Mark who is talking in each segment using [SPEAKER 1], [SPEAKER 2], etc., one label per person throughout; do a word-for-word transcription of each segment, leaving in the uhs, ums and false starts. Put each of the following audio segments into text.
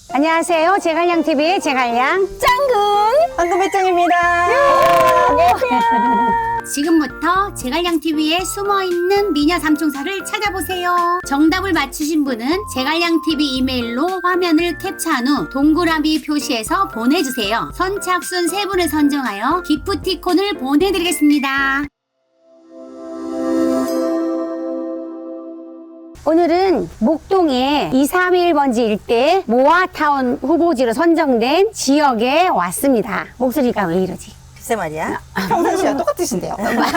[SPEAKER 1] 안녕하세요. 제갈량티비의 제갈량
[SPEAKER 2] 짱군 황금배짱입니다.
[SPEAKER 3] 지금부터 제갈량티비에 숨어있는 미녀 삼총사를 찾아보세요. 정답을 맞추신 분은 제갈량티비 이메일로 화면을 캡처한 후 동그라미 표시해서 보내주세요. 선착순 세 분을 선정하여 기프티콘을 보내드리겠습니다.
[SPEAKER 1] 오늘은 목동의 이삼일 번지 일대 모아타운 후보지로 선정된 지역에 왔습니다. 목소리가 왜 이러지?
[SPEAKER 2] 글쎄 말이야. 평상시와 똑같으신데요.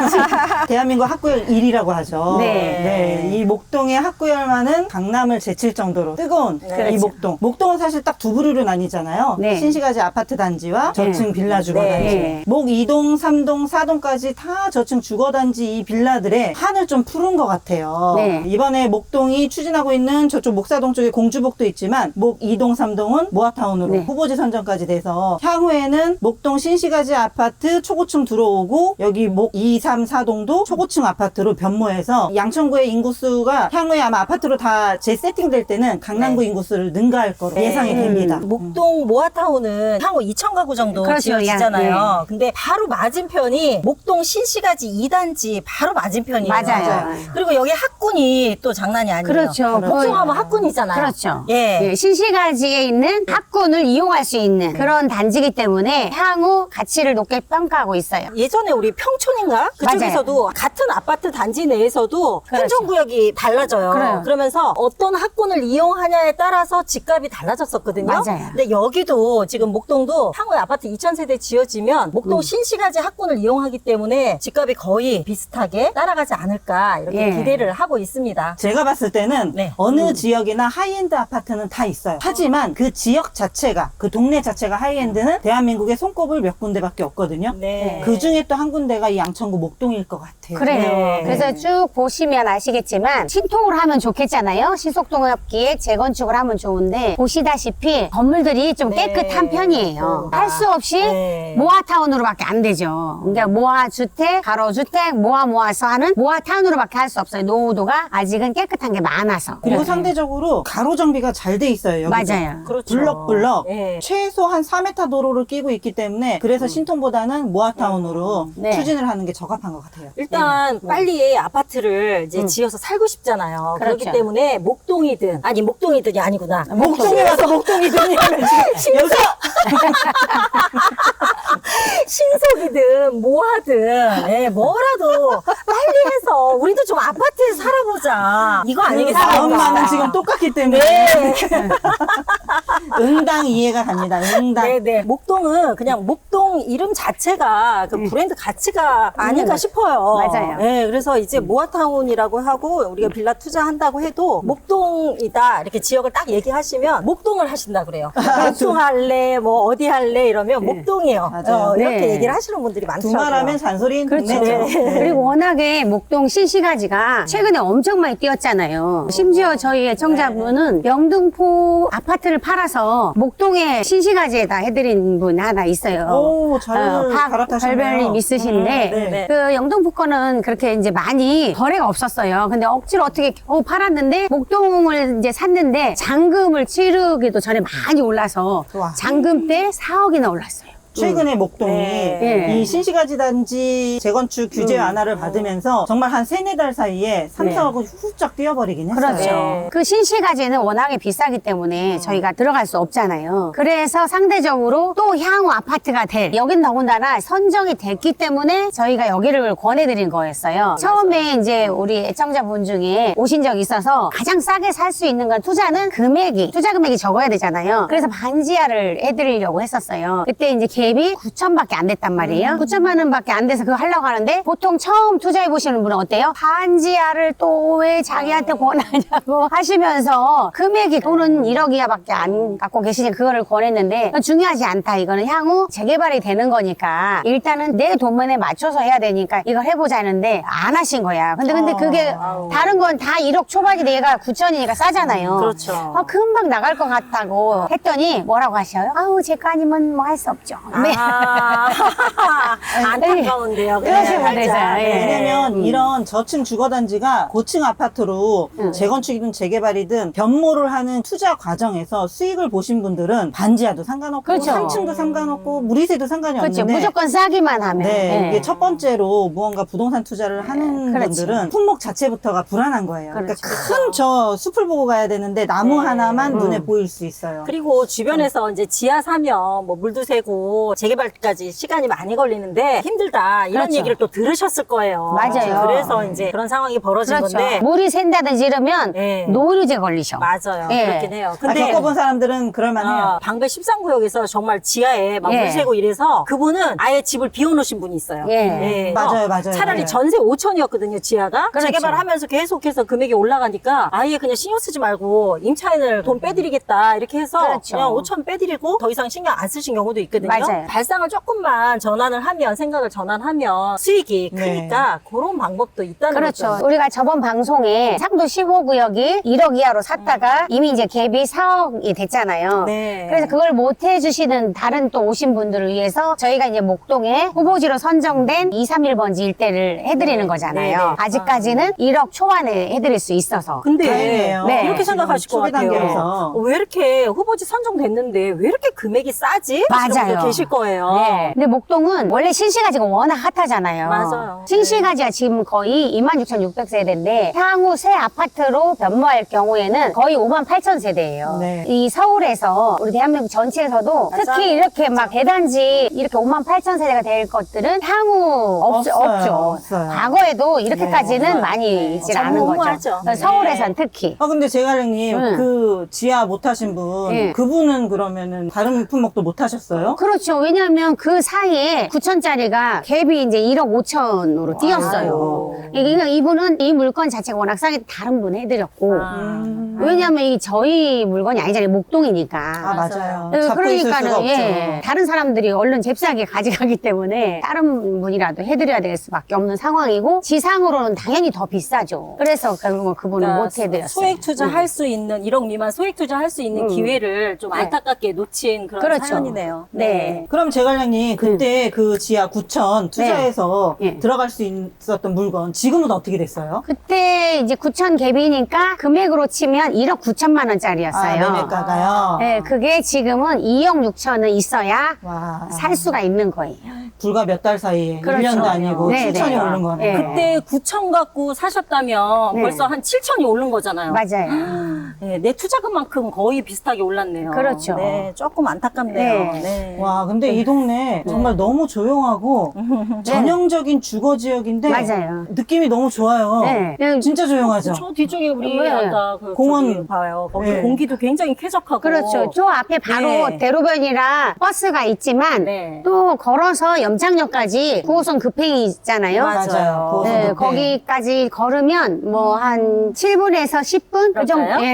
[SPEAKER 2] 대한민국 학구열 일 위라고 하죠.
[SPEAKER 1] 네.
[SPEAKER 2] 네. 이 목동의 학구열만은 강남을 제칠 정도로 뜨거운
[SPEAKER 1] 그렇죠.
[SPEAKER 2] 이 목동. 목동은 사실 딱 두 부류로 나뉘잖아요.
[SPEAKER 1] 네.
[SPEAKER 2] 신시가지 아파트 단지와 저층 빌라 주거
[SPEAKER 1] 네.
[SPEAKER 2] 단지.
[SPEAKER 1] 네.
[SPEAKER 2] 목 이 동, 삼 동, 사 동까지 다 저층 주거 단지 이 빌라들의 한을 좀 푸른 것 같아요.
[SPEAKER 1] 네.
[SPEAKER 2] 이번에 목동이 추진하고 있는 저쪽 목사동 쪽에 공주복도 있지만 목 이 동, 삼 동은 모아타운으로
[SPEAKER 1] 네.
[SPEAKER 2] 후보지 선정까지 돼서 향후에는 목동 신시가지 아파트 초고층 들어오고 여기 목 이, 삼, 사 동도 초고층 아파트로 변모해서 양천구의 인구수가 향후에 아마 아파트로 다 재세팅될 때는 강남구
[SPEAKER 4] 네.
[SPEAKER 2] 인구수를 능가할 거로
[SPEAKER 4] 네.
[SPEAKER 2] 예상이 됩니다.
[SPEAKER 4] 음, 목동 모아타운은 향후 이천 가구 정도
[SPEAKER 1] 그렇죠.
[SPEAKER 4] 지어지잖아요.
[SPEAKER 1] 야,
[SPEAKER 4] 근데 바로 맞은편이 목동 신시가지 이 단지 바로 맞은편이에요.
[SPEAKER 1] 맞아요.
[SPEAKER 4] 그리고 여기 학군이 또 장난이 아니에요.
[SPEAKER 1] 그렇죠.
[SPEAKER 4] 목동하면 학군이잖아요.
[SPEAKER 1] 그렇죠.
[SPEAKER 4] 예.
[SPEAKER 1] 예, 신시가지에 있는 학군을 이용할 수 있는 그런 단지이기 때문에 향후 가치를 높게 평가하고 있어요.
[SPEAKER 4] 예전에 우리 평촌인가? 그쪽에서도 같은 아파트 단지 내에서도
[SPEAKER 1] 그렇죠.
[SPEAKER 4] 행정구역이 달라져요.
[SPEAKER 1] 그래요.
[SPEAKER 4] 그러면서 어떤 학군을 이용하냐에 따라서 집값이 달라졌었거든요.
[SPEAKER 1] 맞아요.
[SPEAKER 4] 근데 여기도 지금 목동도 향후에 아파트 이천 세대 지어지면 목동
[SPEAKER 1] 음.
[SPEAKER 4] 신시가지 학군을 이용하기 때문에 집값이 거의 비슷하게 따라가지 않을까 이렇게
[SPEAKER 1] 예.
[SPEAKER 4] 기대를 하고 있습니다.
[SPEAKER 2] 제가 봤을 때는
[SPEAKER 4] 네.
[SPEAKER 2] 어느 지역이나 하이엔드 아파트는 다 있어요. 하지만 그 지역 자체가, 그 동네 자체가 하이엔드는 대한민국에 손꼽을 몇 군데밖에 없거든요.
[SPEAKER 4] 네.
[SPEAKER 2] 그 중에 또 한 군데가 이 양천구 목동일 것 같아요.
[SPEAKER 1] 그래요.
[SPEAKER 4] 네.
[SPEAKER 1] 그래서 쭉 보시면 아시겠지만 신통을 하면 좋겠잖아요. 신속동업기에 재건축을 하면 좋은데 보시다시피 건물들이 좀
[SPEAKER 4] 네.
[SPEAKER 1] 깨끗한 편이에요. 할 수 없이
[SPEAKER 4] 네.
[SPEAKER 1] 모아타운으로밖에 안 되죠. 그러니까 모아주택, 가로주택, 모아 모아서 하는 모아타운으로밖에 할 수 없어요. 노후도가 아직은 깨끗한 게 많아서.
[SPEAKER 2] 그리고
[SPEAKER 1] 네.
[SPEAKER 2] 상대적으로 가로 정비가 잘 돼 있어요. 여기도.
[SPEAKER 1] 맞아요.
[SPEAKER 4] 그렇죠.
[SPEAKER 2] 블럭블럭
[SPEAKER 4] 네.
[SPEAKER 2] 최소 한 사 미터 도로를 끼고 있기 때문에 그래서 신통보다는 모아타운으로
[SPEAKER 1] 네.
[SPEAKER 2] 추진을 하는 게 적합한 것 같아요.
[SPEAKER 4] 일단 빨리 아파트를 이제
[SPEAKER 1] 음.
[SPEAKER 4] 지어서 살고 싶잖아요. 그렇기
[SPEAKER 1] 그렇죠.
[SPEAKER 4] 때문에 목동이든 아니 목동이든이 아니구나.
[SPEAKER 2] 목동에 와서 목동이더니 여기서
[SPEAKER 4] 신속이든 뭐하든 예, 뭐라도 빨리 해서 우리도 좀 아파트에서 살아보자. 이거 아니겠어요?
[SPEAKER 2] 마음만은 지금 똑같기 때문에
[SPEAKER 4] 네.
[SPEAKER 2] 응당 이해가 갑니다. 응당.
[SPEAKER 4] 네네. 목동은 그냥 목동 이름 자체가 그 브랜드 가치가 아닐까
[SPEAKER 1] 음.
[SPEAKER 4] 싶어요.
[SPEAKER 1] 맞아요.
[SPEAKER 4] 네, 그래서 이제 모아타운이라고 하고 우리가 빌라 투자한다고 해도 목동이다 이렇게 지역을 딱 얘기하시면 목동을 하신다 그래요. 목동 할래, 뭐 어디 할래 이러면 목동이에요.
[SPEAKER 2] 맞아요.
[SPEAKER 4] 어, 이렇게
[SPEAKER 1] 네.
[SPEAKER 4] 얘기를 하시는 분들이 많더라고요.
[SPEAKER 2] 두말하면 잔소리인
[SPEAKER 1] 그렇죠.
[SPEAKER 2] 동네죠. 네.
[SPEAKER 1] 그리고 워낙에 목동 신시가지가 최근에 엄청 많이 뛰었잖아요. 심지어 저희 애청자분은 영등포 아파트를 팔아서 목동에 신시가지에다 해드린 분 하나 있어요.
[SPEAKER 2] 오, 잘 갈아타셨네요.
[SPEAKER 1] 박별별님 있으신데
[SPEAKER 2] 음, 네.
[SPEAKER 1] 그 영등포 거는 그렇게 이제 많이 거래가 없었어요. 근데 억지로 어떻게 겨우 팔았는데 목동을 이제 샀는데 잔금을 치르기도 전에 많이 올라서
[SPEAKER 2] 와.
[SPEAKER 1] 잔금 때 사억이나 올랐어요.
[SPEAKER 2] 최근에 목동이
[SPEAKER 4] 네.
[SPEAKER 1] 예.
[SPEAKER 2] 이 신시가지 단지 재건축 규제
[SPEAKER 1] 음.
[SPEAKER 2] 완화를 받으면서 정말 한 세네 달 사이에 삼,
[SPEAKER 1] 네.
[SPEAKER 2] 사억을 훌쩍 뛰어버리긴 했어요.
[SPEAKER 1] 그렇죠.
[SPEAKER 4] 네.
[SPEAKER 1] 그 신시가지는 워낙에 비싸기 때문에 저희가 들어갈 수 없잖아요. 그래서 상대적으로 또 향후 아파트가 될, 여긴 더군다나 선정이 됐기 때문에 저희가 여기를 권해드린 거였어요. 처음에 이제 우리 애청자분 중에 오신 적이 있어서 가장 싸게 살 수 있는 건 투자는 금액이, 투자 금액이 적어야 되잖아요. 그래서 반지하를 해드리려고 했었어요. 그때 이제 갭이 구천밖에 안 됐단 말이에요. 구천만 원밖에 안 돼서 그거 하려고 하는데 보통 처음 투자해 보시는 분은 어때요? 반지하를 또 왜 자기한테 권하냐고 하시면서 금액이 돈은 일억 이하밖에 안 갖고 계시니 그거를 권했는데 중요하지 않다. 이거는 향후 재개발이 되는 거니까 일단은 내 돈만에 맞춰서 해야 되니까 이걸 해보자 했는데 안 하신 거야. 근데 근데 그게 다른 건 다 일억 초반이 내가 구천이니까 싸잖아요.
[SPEAKER 4] 그렇죠.
[SPEAKER 1] 어, 금방 나갈 것 같다고 했더니 뭐라고 하셔요? 아우 제 거 아니면 뭐 할 수 없죠. 네.
[SPEAKER 4] 아, 안타까운데요.
[SPEAKER 1] 그러시면
[SPEAKER 4] 그냥
[SPEAKER 1] 되죠.
[SPEAKER 4] 살짝.
[SPEAKER 1] 예.
[SPEAKER 4] 네.
[SPEAKER 2] 왜냐면
[SPEAKER 1] 음.
[SPEAKER 2] 이런 저층 주거단지가 고층 아파트로
[SPEAKER 1] 음.
[SPEAKER 2] 재건축이든 재개발이든 변모를 하는 투자 과정에서 수익을 보신 분들은 반지하도 상관없고
[SPEAKER 1] 그렇죠.
[SPEAKER 2] 삼 층도 상관없고 무리세도 상관이
[SPEAKER 1] 그렇죠.
[SPEAKER 2] 없는데
[SPEAKER 1] 무조건 싸기만 하면.
[SPEAKER 2] 네,
[SPEAKER 1] 예.
[SPEAKER 2] 이게 첫 번째로 무언가 부동산 투자를 하는
[SPEAKER 1] 그렇죠.
[SPEAKER 2] 분들은 품목 자체부터가 불안한 거예요. 그러니까
[SPEAKER 1] 그렇죠.
[SPEAKER 2] 큰 저 숲을 보고 가야 되는데 나무
[SPEAKER 4] 네.
[SPEAKER 2] 하나만
[SPEAKER 1] 음.
[SPEAKER 2] 눈에 보일 수 있어요.
[SPEAKER 4] 그리고 주변에서 이제 지하 사면 뭐 물도 새고 재개발까지 시간이 많이 걸리는데 힘들다 이런
[SPEAKER 1] 그렇죠.
[SPEAKER 4] 얘기를 또 들으셨을 거예요.
[SPEAKER 1] 맞아요.
[SPEAKER 4] 그래서 이제 그런 상황이 벌어진
[SPEAKER 1] 그렇죠.
[SPEAKER 4] 건데
[SPEAKER 1] 물이 샌다든지 이러면
[SPEAKER 4] 네.
[SPEAKER 1] 노이로제 걸리셔.
[SPEAKER 4] 맞아요.
[SPEAKER 1] 예.
[SPEAKER 4] 그렇긴 해요.
[SPEAKER 2] 아,
[SPEAKER 4] 근데
[SPEAKER 2] 겪어본 사람들은 그럴만해요.
[SPEAKER 4] 어, 방배 십삼 구역에서 정말 지하에 막
[SPEAKER 1] 예.
[SPEAKER 4] 물 새고 이래서 그분은 아예 집을 비워놓으신 분이 있어요.
[SPEAKER 1] 예.
[SPEAKER 2] 맞아요, 맞아요.
[SPEAKER 4] 차라리
[SPEAKER 2] 맞아요.
[SPEAKER 4] 전세 오천이었거든요, 지하가.
[SPEAKER 1] 그렇죠.
[SPEAKER 4] 재개발하면서 계속해서 금액이 올라가니까 아예 그냥 신경 쓰지 말고 임차인을 돈 빼드리겠다 이렇게 해서
[SPEAKER 1] 그렇죠.
[SPEAKER 4] 그냥 오천 빼드리고 더 이상 신경 안 쓰신 경우도 있거든요.
[SPEAKER 1] 맞아요.
[SPEAKER 4] 발상을 조금만 전환을 하면 생각을 전환하면 수익이
[SPEAKER 2] 네.
[SPEAKER 4] 크니까 그런 방법도 있다는
[SPEAKER 1] 그렇죠.
[SPEAKER 4] 거죠.
[SPEAKER 1] 우리가 저번 방송에 상도 십오 구역이 일억 이하로 샀다가 이미 이제 갭이 사억이 됐잖아요.
[SPEAKER 4] 네.
[SPEAKER 1] 그래서 그걸 못 해주시는 다른 또 오신 분들을 위해서 저희가 이제 목동에 후보지로 선정된 이삼일 번지 일대를 해드리는
[SPEAKER 4] 네.
[SPEAKER 1] 거잖아요.
[SPEAKER 4] 네, 네.
[SPEAKER 1] 아직까지는 일억 초반에 해드릴 수 있어서.
[SPEAKER 4] 근데
[SPEAKER 2] 다행이에요.
[SPEAKER 1] 네.
[SPEAKER 4] 이렇게 생각하실 것
[SPEAKER 2] 초기
[SPEAKER 4] 같아요.
[SPEAKER 2] 단계에서.
[SPEAKER 4] 어, 왜 이렇게 후보지 선정됐는데 왜 이렇게 금액이 싸지? 하시는
[SPEAKER 1] 맞아요.
[SPEAKER 4] 분들 계실 거예요.
[SPEAKER 1] 네. 근데 목동은 원래 신시가지가 워낙 핫하잖아요.
[SPEAKER 4] 맞아요.
[SPEAKER 1] 신시가지가 지금 거의 이만 육천육백 세대인데 향후 새 아파트로 변모할 경우에는 거의 오만 팔천 세대예요.
[SPEAKER 2] 네.
[SPEAKER 1] 이 서울에서 우리 대한민국 전체에서도
[SPEAKER 4] 맞아요.
[SPEAKER 1] 특히 이렇게 막 대단지 이렇게 오만 팔천 세대가 될 것들은 향후 없,
[SPEAKER 2] 없어요.
[SPEAKER 1] 없죠.
[SPEAKER 2] 없어요.
[SPEAKER 1] 과거에도 이렇게까지는
[SPEAKER 2] 네.
[SPEAKER 1] 많이
[SPEAKER 4] 네.
[SPEAKER 1] 있질 않은
[SPEAKER 4] 전무후무하죠.
[SPEAKER 1] 거죠.
[SPEAKER 4] 네.
[SPEAKER 1] 서울에선 특히.
[SPEAKER 2] 아 근데 제갈랭님
[SPEAKER 1] 응.
[SPEAKER 2] 그 지하 못 하신 분
[SPEAKER 1] 예.
[SPEAKER 2] 그분은 그러면은 다른 품목도 못 하셨어요?
[SPEAKER 1] 그렇죠. 왜냐하면 그 사이에 구천짜리가 갭이 이제 일억 오천으로 뛰었어요. 그러니까 이분은 이 물건 자체가 워낙 싸게 다른 분 해드렸고.
[SPEAKER 4] 아.
[SPEAKER 2] 음.
[SPEAKER 1] 왜냐하면 이 저희 물건이 아니잖아요. 목동이니까.
[SPEAKER 2] 아 맞아요.
[SPEAKER 1] 네,
[SPEAKER 2] 잡고 있을 수가
[SPEAKER 1] 그러니까는
[SPEAKER 2] 없죠.
[SPEAKER 1] 예, 다른 사람들이 얼른 잽싸게 가져가기 때문에 다른 분이라도 해드려야 될 수밖에 없는 상황이고 지상으로는 당연히 더 비싸죠. 그래서 결국 그분은
[SPEAKER 4] 그러니까
[SPEAKER 1] 못 해드렸어요.
[SPEAKER 4] 소액 투자할 수 있는 일억 미만 소액 투자할 수 있는
[SPEAKER 1] 음.
[SPEAKER 4] 기회를 좀
[SPEAKER 1] 네.
[SPEAKER 4] 안타깝게 놓친 그런
[SPEAKER 1] 그렇죠.
[SPEAKER 4] 사연이네요.
[SPEAKER 1] 네.
[SPEAKER 2] 그럼 제갈량님 그때 그 지하 구천 투자해서
[SPEAKER 1] 네.
[SPEAKER 2] 들어갈 수 있었던 물건 지금은 어떻게 됐어요?
[SPEAKER 1] 그때 이제 구천 갭이니까 금액으로 치면 일억 구천만 원짜리였어요.
[SPEAKER 2] 아, 매매가가요?
[SPEAKER 1] 네, 그게 지금은 이억 육천은 있어야
[SPEAKER 2] 와.
[SPEAKER 1] 살 수가 있는 거예요.
[SPEAKER 2] 불과 몇 달 사이에
[SPEAKER 1] 그렇죠.
[SPEAKER 2] 일 년도 아니고
[SPEAKER 1] 네,
[SPEAKER 2] 칠천이
[SPEAKER 1] 네.
[SPEAKER 2] 오른 거네.
[SPEAKER 1] 네.
[SPEAKER 4] 그때 구천 갖고 사셨다면
[SPEAKER 1] 네.
[SPEAKER 4] 벌써 한 칠천이 오른 거잖아요.
[SPEAKER 1] 맞아요.
[SPEAKER 4] 네, 내 투자금만큼 거의 비슷하게 올랐네요.
[SPEAKER 1] 그렇죠.
[SPEAKER 4] 네, 조금 안타깝네요.
[SPEAKER 1] 네.
[SPEAKER 4] 네.
[SPEAKER 2] 와, 근데 이 동네 정말 너무 조용하고 전형적인 주거 지역인데
[SPEAKER 1] 맞아요.
[SPEAKER 2] 느낌이 너무 좋아요.
[SPEAKER 1] 네. 그냥
[SPEAKER 2] 진짜 조용하죠.
[SPEAKER 4] 저 뒤쪽에 우리
[SPEAKER 1] 네.
[SPEAKER 4] 아까 그
[SPEAKER 2] 공원.
[SPEAKER 4] 저기 봐요. 거기
[SPEAKER 2] 네.
[SPEAKER 4] 공기도 굉장히 쾌적하고.
[SPEAKER 1] 그렇죠. 저 앞에 바로
[SPEAKER 4] 네.
[SPEAKER 1] 대로변이라 버스가 있지만
[SPEAKER 4] 네.
[SPEAKER 1] 또 걸어서 염창역까지 구 호선 급행이 있잖아요.
[SPEAKER 2] 맞아요. 구 호선
[SPEAKER 1] 네,
[SPEAKER 2] 급행.
[SPEAKER 1] 거기까지 걸으면 뭐 한 칠 분에서 십 분? 그 정도,
[SPEAKER 4] 그럴까요?
[SPEAKER 1] 예.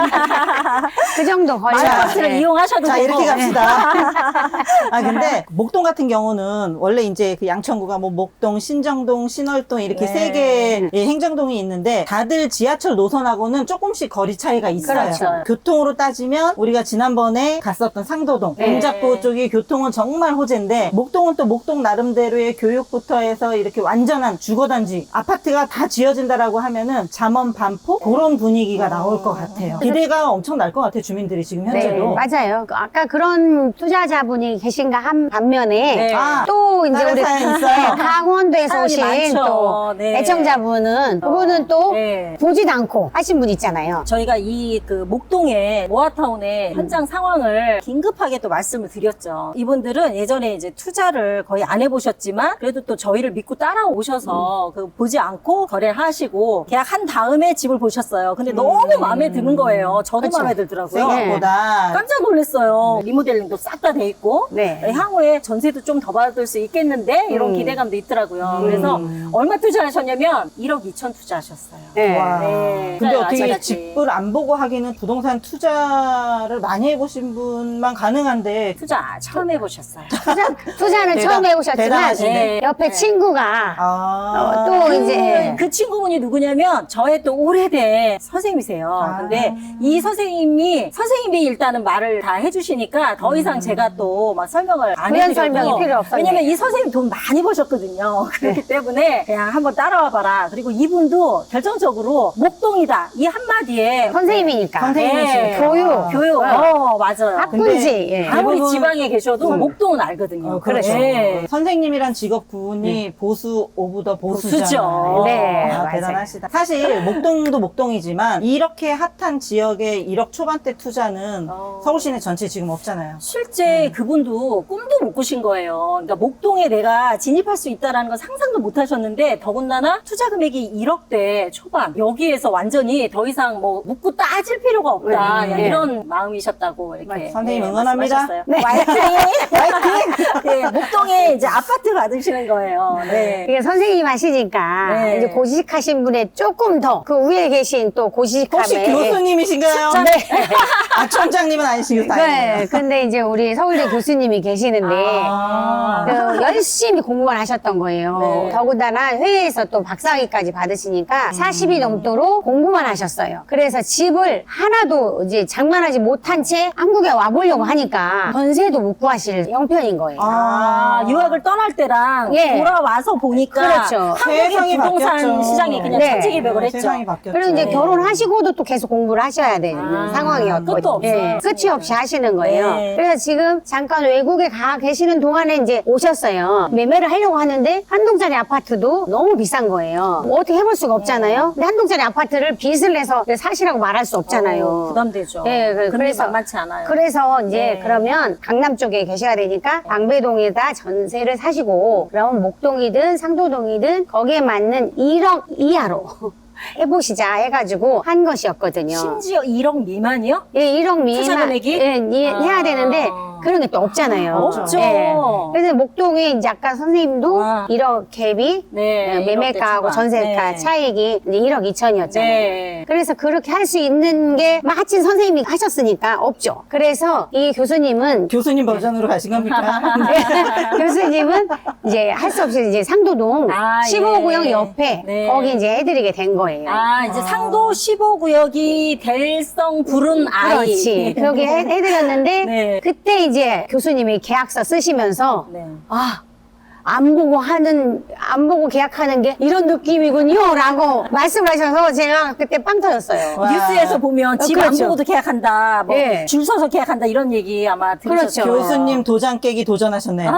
[SPEAKER 1] 그 정도 걸려요.
[SPEAKER 4] 마을버스를
[SPEAKER 1] 네.
[SPEAKER 4] 이용하셔도
[SPEAKER 2] 자,
[SPEAKER 4] 되고.
[SPEAKER 2] 이렇게 갑시다. 아, 근데 목동 같은 경우는 원래 이제 그 양천구가 뭐 목동, 신정동, 신월동 이렇게
[SPEAKER 4] 네.
[SPEAKER 2] 세 개의 행정동이 있는데 다들 지하철 노선하고는 조금씩 거리 차이가 있어요.
[SPEAKER 1] 그렇죠.
[SPEAKER 2] 교통으로 따지면 우리가 지난번에 갔었던 상도동,
[SPEAKER 1] 네.
[SPEAKER 2] 동작구 쪽이 교통은 정말 호재인데 목동은 또 목동 나름대로의 교육부터 해서 이렇게 완전한 주거단지, 아파트가 다 지어진다라고 하면은 잠원 반포 그런 분위기가 나올 것 같아요. 기대가 엄청 날 것 같아요. 주민들이 지금
[SPEAKER 1] 네,
[SPEAKER 2] 현재도.
[SPEAKER 1] 맞아요. 그 아까 그런 투자자분이 계신가 한 반면에
[SPEAKER 4] 네.
[SPEAKER 2] 아,
[SPEAKER 1] 또 이제
[SPEAKER 2] 다른
[SPEAKER 1] 우리
[SPEAKER 2] 사연 있어요?
[SPEAKER 1] 네, 강원도에서
[SPEAKER 4] 사연이
[SPEAKER 1] 오신
[SPEAKER 4] 많죠.
[SPEAKER 1] 또
[SPEAKER 4] 네.
[SPEAKER 1] 애청자분은 그분은 또
[SPEAKER 4] 네.
[SPEAKER 1] 보지도 않고 하신 분 있잖아요.
[SPEAKER 4] 저희가 이 그 목동의 모아타운의
[SPEAKER 1] 음.
[SPEAKER 4] 현장 상황을 긴급하게 또 말씀을 드렸죠. 이분들은 예전에 이제 투자를 거의 안 해보셨지만 그래도 또 저희를 믿고
[SPEAKER 1] 음.
[SPEAKER 4] 따라오셔서 그 보지 않고 거래를 하시고 계약한 다음에 집을 보셨어요. 근데 너무 마음에 드는 거예요. 저도
[SPEAKER 1] 음. 그쵸.
[SPEAKER 4] 마음에 들더라고요.
[SPEAKER 2] 생각보다
[SPEAKER 4] 깜짝 놀랐어요. 리모델링도 싹 다 돼 있고
[SPEAKER 1] 네.
[SPEAKER 4] 향후에 전세도 좀 더 받을 수 있겠는데 이런
[SPEAKER 1] 음.
[SPEAKER 4] 기대감도 있더라고요. 그래서 얼마 투자하셨냐면 일억 이천 투자하셨어요.
[SPEAKER 1] 네.
[SPEAKER 2] 와.
[SPEAKER 4] 네.
[SPEAKER 2] 근데
[SPEAKER 4] 맞아요.
[SPEAKER 2] 어떻게
[SPEAKER 4] 아직까지.
[SPEAKER 2] 집을 안 보고 하기는 부동산 투자를 많이 해보신 분만 가능한데
[SPEAKER 4] 투자 처음 해보셨어요.
[SPEAKER 1] 투자, 투자는 처음 처음 해오셨지만
[SPEAKER 2] 대단하시네.
[SPEAKER 1] 옆에
[SPEAKER 3] 네.
[SPEAKER 1] 친구가
[SPEAKER 2] 아.
[SPEAKER 1] 어, 또 이제
[SPEAKER 4] 그 친구분이 누구냐면 저의 또 오래된 선생님이세요.
[SPEAKER 2] 아.
[SPEAKER 4] 근데 이 선생님이 선생님이 일단은 말을 다 해주시니까 더 이상 제가 또 막 설명을 안
[SPEAKER 1] 부연
[SPEAKER 4] 해드려도
[SPEAKER 1] 설명이 필요 없었네.
[SPEAKER 4] 왜냐면 이 선생님 돈 많이 버셨거든요. 그렇기 때문에 그냥 한번 따라와 봐라. 그리고 이분도 결정적으로 목동이다 이 한마디에
[SPEAKER 1] 선생님이니까
[SPEAKER 2] 선생님이시니까.
[SPEAKER 1] 교육.
[SPEAKER 4] 교육 어 맞아요.
[SPEAKER 1] 학군지. 예.
[SPEAKER 4] 아무리
[SPEAKER 2] 대부분-
[SPEAKER 4] 지방에 계셔도
[SPEAKER 2] 음.
[SPEAKER 4] 목동은 알거든요.
[SPEAKER 2] 어, 그렇죠.
[SPEAKER 4] 네.
[SPEAKER 2] 선생님이란 직업 구분이 보수 오브 더 보수잖아요.
[SPEAKER 4] 보수죠.
[SPEAKER 1] 네,
[SPEAKER 2] 아,
[SPEAKER 1] 맞아요.
[SPEAKER 2] 대단하시다. 사실 목동도 목동이지만 이렇게 핫한 지역에 일억 초반대 투자는
[SPEAKER 4] 어.
[SPEAKER 2] 서울 시내 전체 지금 없잖아요.
[SPEAKER 4] 실제 그분도 꿈도 못 꾸신 거예요. 그러니까 목동에 내가 진입할 수 있다라는 건 상상도 못 하셨는데 더군다나 투자 금액이 일억대 초반 여기에서 완전히 더 이상 뭐 묻고 따질 필요가 없다.
[SPEAKER 2] 네,
[SPEAKER 4] 그냥
[SPEAKER 2] 네.
[SPEAKER 4] 이런 마음이셨다고 이렇게
[SPEAKER 2] 선생님
[SPEAKER 4] 네,
[SPEAKER 2] 응원합니다.
[SPEAKER 4] 말씀하셨어요. 화이팅! 화이팅! 네, 목동에 이제 아파트 받으시는 거예요. 네.
[SPEAKER 1] 이게 선생님 하시니까
[SPEAKER 4] 네.
[SPEAKER 1] 이제 고지식하신 분의 조금 더 그 위에 계신 또 고지식함에
[SPEAKER 2] 혹시 교수님이신가요?
[SPEAKER 1] 네.
[SPEAKER 2] 아, 총장님은 아니시고
[SPEAKER 1] 네.
[SPEAKER 2] 다행이네요.
[SPEAKER 1] 근데 이제 우리 서울대 교수님이 계시는데
[SPEAKER 2] 아.
[SPEAKER 1] 그 열심히 공부만 하셨던 거예요.
[SPEAKER 4] 네.
[SPEAKER 1] 더군다나 회의에서 또 박사학위까지 받으시니까 사십이 넘도록 공부만 하셨어요. 그래서 집을 하나도 이제 장만하지 못한 채 한국에 와보려고 하니까 전세도 못 구하실 형편인 거예요.
[SPEAKER 4] 아, 유학을 떠날 때랑
[SPEAKER 1] 예.
[SPEAKER 4] 돌아와서 보니까
[SPEAKER 1] 그렇죠.
[SPEAKER 4] 한국의
[SPEAKER 2] 세상이
[SPEAKER 4] 부동산
[SPEAKER 2] 바뀌었죠.
[SPEAKER 4] 시장이 그냥
[SPEAKER 1] 네.
[SPEAKER 4] 천지개벽을 했죠.
[SPEAKER 2] 세상이 바뀌었죠.
[SPEAKER 1] 그리고 이제
[SPEAKER 4] 네.
[SPEAKER 1] 결혼하시고도 또 계속 공부를 하셔야 되는
[SPEAKER 4] 아,
[SPEAKER 1] 상황이었거든요.
[SPEAKER 4] 끝도 없어요.
[SPEAKER 1] 예, 끝이 없이 하시는 거예요.
[SPEAKER 4] 네.
[SPEAKER 1] 그래서 지금 잠깐 외국에 가 계시는 동안에 이제 오셨어요. 매매를 하려고 하는데 한 동짜리 아파트도 너무 비싼 거예요. 뭐 어떻게 해볼 수가 없잖아요. 근데 한 동짜리 아파트를 빚을 내서 사시라고 말할 수 없잖아요.
[SPEAKER 4] 어, 부담되죠.
[SPEAKER 1] 예, 그-
[SPEAKER 4] 금리
[SPEAKER 1] 그래서-
[SPEAKER 4] 만만치 않아요.
[SPEAKER 1] 그래서 이제
[SPEAKER 4] 네.
[SPEAKER 1] 그러면 강남 쪽에 계셔야 되니까 방배동에다 전세를 사시고 그러면 목동이든 상도동이든 거기에 맞는 일억 이하로 해보시자 해가지고 한 것이었거든요.
[SPEAKER 4] 심지어 일억 미만이요?
[SPEAKER 1] 예, 일억 미만
[SPEAKER 4] 투자 금액이?
[SPEAKER 1] 예, 예,
[SPEAKER 4] 아.
[SPEAKER 1] 해야 되는데 그런 게 또 없잖아요.
[SPEAKER 4] 없죠.
[SPEAKER 1] 예. 그래서 목동에 이제 아까 선생님도
[SPEAKER 4] 아.
[SPEAKER 1] 일억 갭이
[SPEAKER 4] 네,
[SPEAKER 1] 예, 매매가하고
[SPEAKER 4] 일억대 초반.
[SPEAKER 1] 전세가
[SPEAKER 4] 네.
[SPEAKER 1] 차익이 이제 일억 이천이었잖아요.
[SPEAKER 4] 네.
[SPEAKER 1] 그래서 그렇게 할 수 있는 게 마침 선생님이 하셨으니까 없죠. 그래서 이 교수님은
[SPEAKER 2] 교수님 버전으로 가신 겁니까?
[SPEAKER 1] 교수님은 이제 할 수 없이 이제 상도동
[SPEAKER 4] 아,
[SPEAKER 1] 십오 구역
[SPEAKER 4] 예.
[SPEAKER 1] 옆에
[SPEAKER 4] 네.
[SPEAKER 1] 거기 이제 해드리게 된 거예요.
[SPEAKER 4] 아, 이제 상도 십오 구역이 될성 부른 아이.
[SPEAKER 1] 그렇지. 그렇게 해- 해드렸는데
[SPEAKER 4] 네.
[SPEAKER 1] 그때 이제 교수님이 계약서 쓰시면서
[SPEAKER 4] 네.
[SPEAKER 1] 아. 안 보고 하는, 안 보고 계약하는 게 이런 느낌이군요. 라고 말씀하셔서 제가 그때 빵 터졌어요.
[SPEAKER 2] 와.
[SPEAKER 4] 뉴스에서 보면
[SPEAKER 1] 어,
[SPEAKER 4] 집 안
[SPEAKER 1] 그렇죠.
[SPEAKER 4] 보고도 계약한다. 뭐
[SPEAKER 1] 예.
[SPEAKER 4] 줄 서서 계약한다. 이런 얘기 아마 들으셨죠.
[SPEAKER 1] 그렇죠.
[SPEAKER 2] 교수님 도장 깨기 도전하셨네요.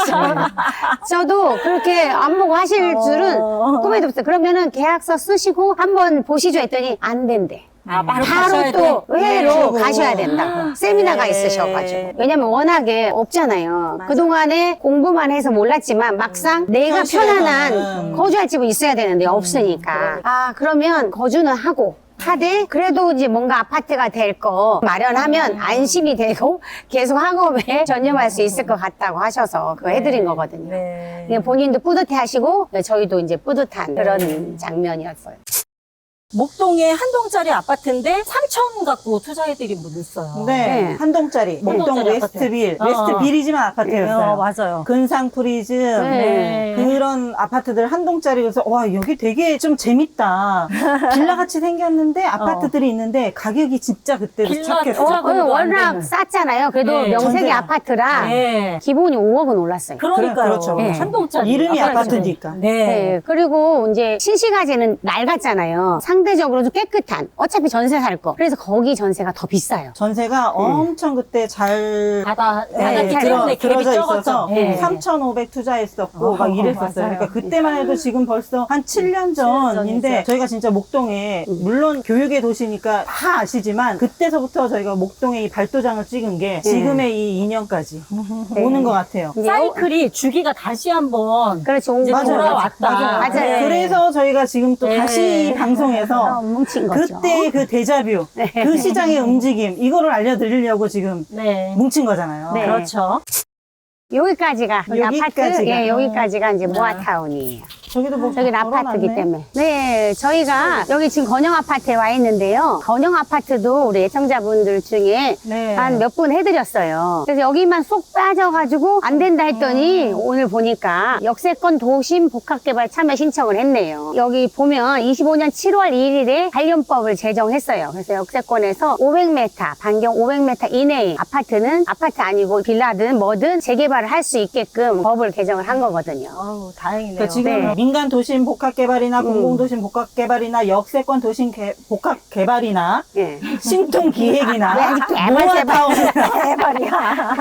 [SPEAKER 1] 저도 그렇게 안 보고 하실
[SPEAKER 4] 어.
[SPEAKER 1] 줄은 꿈에도 없어요. 그러면은 계약서 쓰시고 한번 보시죠 했더니 안 된대.
[SPEAKER 4] 아, 바로,
[SPEAKER 1] 바로
[SPEAKER 4] 가셔야
[SPEAKER 1] 또
[SPEAKER 4] 돼.
[SPEAKER 1] 회의로
[SPEAKER 2] 네.
[SPEAKER 1] 가셔야 된다고. 세미나가
[SPEAKER 4] 네.
[SPEAKER 1] 있으셔가지고. 왜냐면 워낙에 없잖아요.
[SPEAKER 4] 맞아.
[SPEAKER 1] 그동안에 공부만 해서 몰랐지만 막상 내가
[SPEAKER 2] 현실에서는.
[SPEAKER 1] 편안한 거주할 집은 있어야 되는데 없으니까. 아, 그러면 거주는 하고. 하되 그래도 이제 뭔가 아파트가 될 거 마련하면 안심이 되고 계속 학업에 전념할 수 있을 것 같다고 하셔서 그거 해드린 거거든요.
[SPEAKER 4] 네.
[SPEAKER 1] 그냥 본인도 뿌듯해 하시고 저희도 이제 뿌듯한 그런 장면이었어요.
[SPEAKER 4] 목동에 한 동짜리 아파트인데 삼천 갖고 투자해드린 분 있어요.
[SPEAKER 2] 네,
[SPEAKER 1] 네.
[SPEAKER 2] 한 동짜리. 목동
[SPEAKER 4] 동짜리
[SPEAKER 2] 웨스트빌.
[SPEAKER 4] 아파트. 어.
[SPEAKER 2] 웨스트빌이지만 아파트였어요.
[SPEAKER 4] 어, 맞아요.
[SPEAKER 2] 근상 프리즘.
[SPEAKER 1] 네.
[SPEAKER 2] 그런 아파트들 한 동짜리. 그래서 와, 여기 되게 좀 재밌다. 빌라 같이 생겼는데 아파트들이 있는데 가격이 진짜 그때도
[SPEAKER 4] 빌라
[SPEAKER 2] 착했어.
[SPEAKER 4] 투자
[SPEAKER 1] 어,
[SPEAKER 4] 금액도 안
[SPEAKER 1] 워낙
[SPEAKER 4] 되는.
[SPEAKER 1] 쌌잖아요. 그래도
[SPEAKER 4] 네,
[SPEAKER 1] 명색이
[SPEAKER 2] 전세가.
[SPEAKER 1] 아파트라
[SPEAKER 4] 네.
[SPEAKER 1] 기본이 오억은 올랐어요.
[SPEAKER 4] 그러니까요.
[SPEAKER 2] 그래, 그렇죠.
[SPEAKER 1] 네.
[SPEAKER 4] 한 동짜리.
[SPEAKER 2] 이름이
[SPEAKER 4] 아파트.
[SPEAKER 2] 아파트니까.
[SPEAKER 4] 네.
[SPEAKER 1] 네. 그리고 이제 신시가지는 낡았잖아요. 상대적으로 좀 깨끗한. 어차피 전세 살 거. 그래서 거기 전세가 더 비싸요.
[SPEAKER 2] 전세가 엄청 그때 잘
[SPEAKER 4] 바다,
[SPEAKER 2] 네,
[SPEAKER 4] 바닷길
[SPEAKER 1] 들어-
[SPEAKER 4] 때문에 갭이
[SPEAKER 2] 들어져
[SPEAKER 4] 적었죠.
[SPEAKER 2] 있어서
[SPEAKER 1] 네.
[SPEAKER 2] 삼천오백 투자했었고
[SPEAKER 4] 어,
[SPEAKER 2] 막 이랬었어요.
[SPEAKER 4] 맞아요.
[SPEAKER 2] 그러니까 그때만 해도 지금 벌써 한 칠 년 전인데
[SPEAKER 4] 전이죠.
[SPEAKER 2] 저희가 진짜 목동에 물론 교육의 도시니까 다 아시지만 그때서부터 저희가 목동에 이 발도장을 찍은 게 지금의 이 인연까지 오는 것 같아요.
[SPEAKER 1] 이제
[SPEAKER 4] 사이클이 주기가 다시 한번
[SPEAKER 1] 그렇죠. 온
[SPEAKER 4] 이제
[SPEAKER 1] 거죠.
[SPEAKER 4] 돌아왔다.
[SPEAKER 2] 맞아요.
[SPEAKER 1] 맞아요.
[SPEAKER 4] 네.
[SPEAKER 2] 그래서 저희가 지금 또
[SPEAKER 4] 네.
[SPEAKER 2] 다시
[SPEAKER 1] 어,
[SPEAKER 2] 방송에서
[SPEAKER 1] 뭉친 거죠.
[SPEAKER 2] 그때 그 데자뷰, 그 시장의 움직임 이거를 알려드리려고 지금
[SPEAKER 4] 네.
[SPEAKER 2] 뭉친 거잖아요.
[SPEAKER 1] 네.
[SPEAKER 4] 그렇죠.
[SPEAKER 1] 여기까지가
[SPEAKER 2] 여기까지가.
[SPEAKER 1] 아파트, 예, 여기까지가 이제 모아타운이에요.
[SPEAKER 2] 저기도 뭐
[SPEAKER 1] 저기 아파트이기
[SPEAKER 2] 걸어놨네.
[SPEAKER 1] 때문에. 네, 저희가 여기 지금 건영 아파트에 와 있는데요. 건영 아파트도 우리 애청자분들 중에
[SPEAKER 2] 네.
[SPEAKER 1] 한 몇 분 해드렸어요. 그래서 여기만 쏙 빠져가지고 안 된다 했더니 오늘 보니까 역세권 도심 복합개발 참여 신청을 했네요. 여기 보면 이십오 년 칠월 일일에 관련법을 제정했어요. 그래서 역세권에서 오백 미터, 반경 오백 미터 이내의 아파트는 아파트 아니고 빌라든 뭐든 재개발을 할 수 있게끔 법을 개정을 한 거거든요.
[SPEAKER 4] 아우, 다행이네요.
[SPEAKER 2] 그러니까 지금
[SPEAKER 1] 네.
[SPEAKER 2] 민간 도심 복합 개발이나
[SPEAKER 1] 음.
[SPEAKER 2] 공공 도심 복합 개발이나 역세권 도심 개- 복합 개발이나
[SPEAKER 1] 예.
[SPEAKER 2] 신통 기획이나
[SPEAKER 1] 왜 아직 개발,
[SPEAKER 2] 노아타운이나
[SPEAKER 4] 대박이야.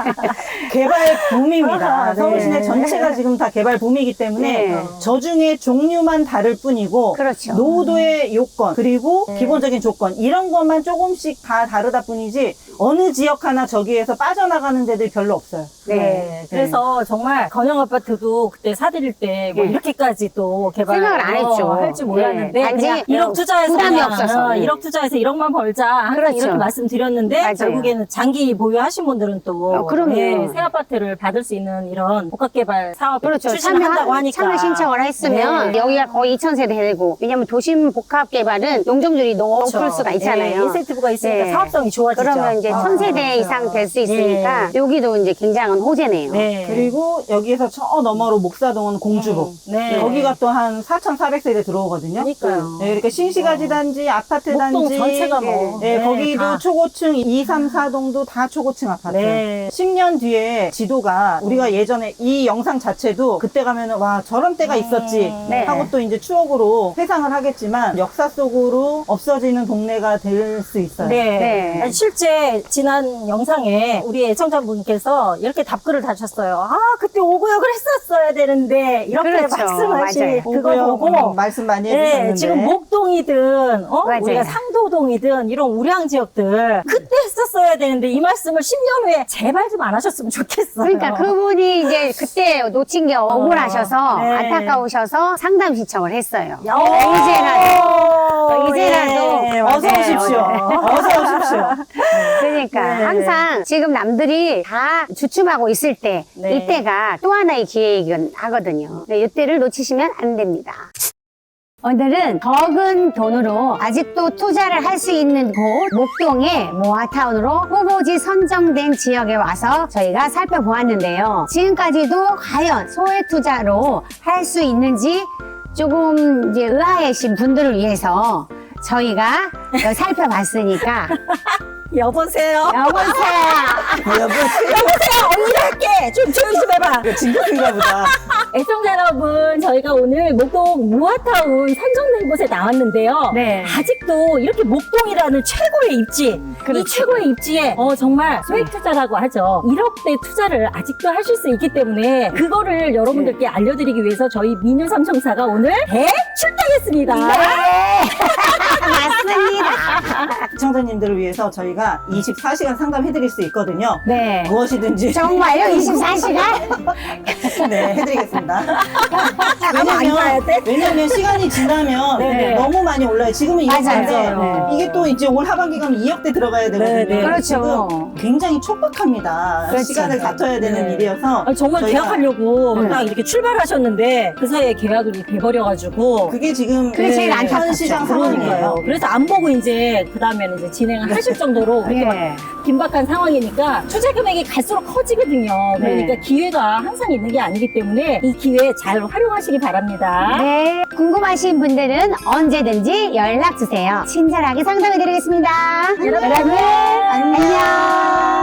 [SPEAKER 2] 개발 붐입니다.
[SPEAKER 4] 아, 네.
[SPEAKER 2] 서울 시내 전체가 지금 다 개발 붐이기 때문에
[SPEAKER 1] 네.
[SPEAKER 2] 저 중에 종류만 다를 뿐이고
[SPEAKER 1] 그렇죠.
[SPEAKER 2] 노후도의 요건 그리고
[SPEAKER 4] 네.
[SPEAKER 2] 기본적인 조건 이런 것만 조금씩 다 다르다 뿐이지 어느 지역 하나 저기에서 빠져나가는 데들이 별로 없어요.
[SPEAKER 1] 네.
[SPEAKER 4] 그래서 정말 건영 아파트도 그때 사드릴 때 뭐
[SPEAKER 1] 네.
[SPEAKER 4] 이렇게까지 또 개발
[SPEAKER 1] 생각을 안 했죠.
[SPEAKER 4] 할지 몰랐는데
[SPEAKER 1] 네. 단지
[SPEAKER 4] 그냥 일억 투자해서
[SPEAKER 1] 부담이
[SPEAKER 4] 그냥,
[SPEAKER 1] 없어서.
[SPEAKER 4] 어,
[SPEAKER 1] 네.
[SPEAKER 4] 일억 투자해서 일억만 벌자 항상
[SPEAKER 1] 그렇죠.
[SPEAKER 4] 이렇게 말씀드렸는데
[SPEAKER 1] 맞아요.
[SPEAKER 4] 결국에는 장기 보유하신 분들은 또
[SPEAKER 1] 어, 그럼요.
[SPEAKER 4] 네, 새 아파트를 받을 수 있는 이런 복합개발 사업
[SPEAKER 1] 그렇죠.
[SPEAKER 4] 추진한다고
[SPEAKER 1] 참여,
[SPEAKER 4] 하니까
[SPEAKER 1] 참여 신청을 했으면
[SPEAKER 4] 네.
[SPEAKER 1] 여기가 거의 이천 세대 되고 왜냐면 도심 복합 개발은 용적률이 높을
[SPEAKER 4] 그렇죠.
[SPEAKER 1] 수가 있잖아요.
[SPEAKER 4] 네, 인센티브가 있으니까
[SPEAKER 1] 네.
[SPEAKER 4] 사업성이 좋아지죠.
[SPEAKER 1] 그러면 이제
[SPEAKER 4] 아,
[SPEAKER 1] 천 세대
[SPEAKER 4] 그렇죠.
[SPEAKER 1] 이상 될 수 있으니까
[SPEAKER 4] 네.
[SPEAKER 1] 여기도 이제 굉장한 호재네요.
[SPEAKER 4] 네.
[SPEAKER 2] 그리고 여기에서 저 너머로 목사동은 공주복
[SPEAKER 4] 네.
[SPEAKER 2] 거기가 또 한 사천사백 세대 들어오거든요.
[SPEAKER 4] 그러니까요.
[SPEAKER 2] 네, 이렇게 신시가지 단지, 아파트
[SPEAKER 4] 목동
[SPEAKER 2] 단지,
[SPEAKER 4] 전체가 뭐.
[SPEAKER 2] 네,
[SPEAKER 4] 네,
[SPEAKER 2] 거기도
[SPEAKER 4] 다.
[SPEAKER 2] 초고층 이, 삼, 사동도 다 초고층 아파트.
[SPEAKER 4] 네.
[SPEAKER 2] 십 년 뒤에 지도가 우리가 예전에 이 영상 자체도 그때 가면은 와 저런 때가 있었지
[SPEAKER 1] 네.
[SPEAKER 2] 하고 또 이제 추억으로 회상을 하겠지만 역사 속으로 없어지는 동네가 될 수 있어요.
[SPEAKER 4] 네.
[SPEAKER 1] 네.
[SPEAKER 4] 아니, 실제 지난 영상에 우리 애청자분께서 이렇게 답글을 다셨어요. 아, 그때 오구역을 했었어야 되는데 이렇게
[SPEAKER 1] 그렇죠.
[SPEAKER 4] 말씀하신
[SPEAKER 1] 맞아요.
[SPEAKER 4] 그거
[SPEAKER 2] 오고요.
[SPEAKER 4] 보고
[SPEAKER 2] 음, 말씀 많이
[SPEAKER 4] 네,
[SPEAKER 2] 해주셨는데
[SPEAKER 4] 지금 목동이든 어?
[SPEAKER 1] 맞아요.
[SPEAKER 4] 우리가 상도동이든 이런 우량 지역들 그때 했었어야 되는데 이 말씀을 십 년 후에 제발 좀 안 하셨으면 좋겠어요.
[SPEAKER 1] 그러니까 그분이 이제 그때 놓친 게 억울하셔서
[SPEAKER 4] 네.
[SPEAKER 1] 안타까우셔서 상담 신청을 했어요.
[SPEAKER 4] 야,
[SPEAKER 1] 이제라도 이제라도
[SPEAKER 4] 네,
[SPEAKER 2] 어서
[SPEAKER 4] 맞아요.
[SPEAKER 2] 오십시오. 어서 오십시오.
[SPEAKER 1] 그러니까
[SPEAKER 4] 네.
[SPEAKER 1] 항상 지금 남들이 다 주춤하고 있을 때
[SPEAKER 4] 네.
[SPEAKER 1] 이때가 또 하나의 기회이긴 하거든요. 네, 이때를 놓치시면 안 됩니다. 오늘은 적은 돈으로 아직도 투자를 할 수 있는 곳 목동의 모아타운으로 후보지 선정된 지역에 와서 저희가 살펴보았는데요. 지금까지도 과연 소액 투자로 할 수 있는지 조금 이제 의아해신 분들을 위해서 저희가 살펴봤으니까
[SPEAKER 4] 여보세요.
[SPEAKER 1] 여보세요.
[SPEAKER 4] 여보세요. 언니가 할게. 좀 조용히 좀 해봐.
[SPEAKER 2] 진급인가 보다.
[SPEAKER 4] 애청자 여러분, 저희가 오늘 목동 무아타운 선정된 곳에 나왔는데요.
[SPEAKER 1] 네.
[SPEAKER 4] 아직도 이렇게 목동이라는 최고의 입지, 이
[SPEAKER 1] 그렇죠.
[SPEAKER 4] 최고의 입지에 어, 정말 소액 투자라고 하죠. 일억대 투자를 아직도 하실 수 있기 때문에 그거를 여러분들께 알려드리기 위해서 저희 미녀 삼총사가 오늘 대출당했습니다.
[SPEAKER 1] 맞습니다.
[SPEAKER 2] 시청자님들을 위해서 저희가 이십사 시간 상담해드릴 수 있거든요.
[SPEAKER 1] 네.
[SPEAKER 2] 무엇이든지
[SPEAKER 1] 정말요? 이십사 시간?
[SPEAKER 2] 네, 해드리겠습니다.
[SPEAKER 4] 아마 안 가야 돼?
[SPEAKER 2] 왜냐면 시간이 지나면
[SPEAKER 4] 네네.
[SPEAKER 2] 너무 많이 올라요. 지금은 이억대인데
[SPEAKER 1] 맞아요.
[SPEAKER 2] 이게 또 이제 올 하반기 가면 이억대 들어가야 되거든요.
[SPEAKER 4] 네네.
[SPEAKER 1] 그렇죠.
[SPEAKER 2] 지금 굉장히 촉박합니다.
[SPEAKER 1] 그렇죠.
[SPEAKER 2] 시간을 다퉈야 되는
[SPEAKER 4] 네.
[SPEAKER 2] 일이어서
[SPEAKER 4] 아니, 정말
[SPEAKER 2] 저희가-
[SPEAKER 4] 계약하려고
[SPEAKER 1] 네.
[SPEAKER 4] 딱 이렇게 출발하셨는데 그 사이에 계약이 돼버려가지고
[SPEAKER 2] 그게 지금
[SPEAKER 1] 그게 제일
[SPEAKER 2] 현
[SPEAKER 1] 안타깝죠.
[SPEAKER 2] 시장
[SPEAKER 4] 그러니까요.
[SPEAKER 2] 상황이에요.
[SPEAKER 4] 그래서 안 보고 이제 그 다음에는 이제 진행을 하실 정도로 그렇게 막
[SPEAKER 1] 네.
[SPEAKER 4] 긴박한 상황이니까 투자 금액이 갈수록 커지거든요. 그러니까
[SPEAKER 1] 네.
[SPEAKER 4] 기회가 항상 있는 게 아니기 때문에 이 기회 잘 활용하시기 바랍니다.
[SPEAKER 1] 네. 궁금하신 분들은 언제든지 연락 주세요. 친절하게 상담해 드리겠습니다. 여러분, 안녕.